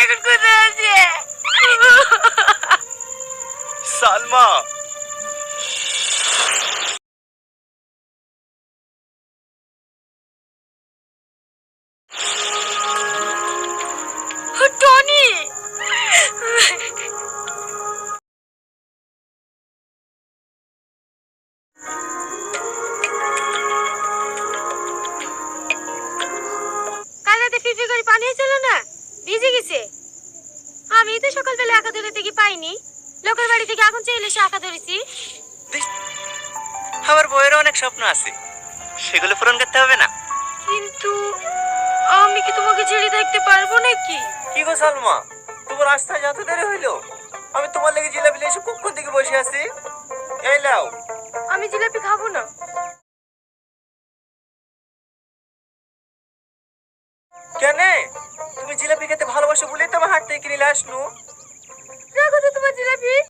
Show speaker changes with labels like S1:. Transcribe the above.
S1: এখন কোথায় আছে?
S2: সালমা,
S1: টনি, কাল রাতে ফিফি করে পানি হয়েছিল না, ভিজে গেছে। আমি তো সকালবেলা একা ধরে কি পাইনি, লোকের বাড়ি থেকে এখন চাইলে সে একা ধরেছি।
S2: আমার বইয়েরও অনেক স্বপ্ন আছে, সেগুলো পূরণ করতে হবে না?
S1: কিন্তু আমি কি তোমাকে ছেড়ে থাকতে পারবো নাকি?
S2: কি গো সালমা, তোমার রাস্তায় যত দেরি হইলো, আমি তোমার লেগে জিলাপি এসে কখন থেকে বসে আছি। এই লাও।
S1: আমি জিলাপি খাবো না।
S2: কেন? তুমি জিলাপি খেতে ভালোবাসো বলেই তো আমার হাত থেকে কিনে আসনু।
S1: রাখো তো তোমার জিলাপি।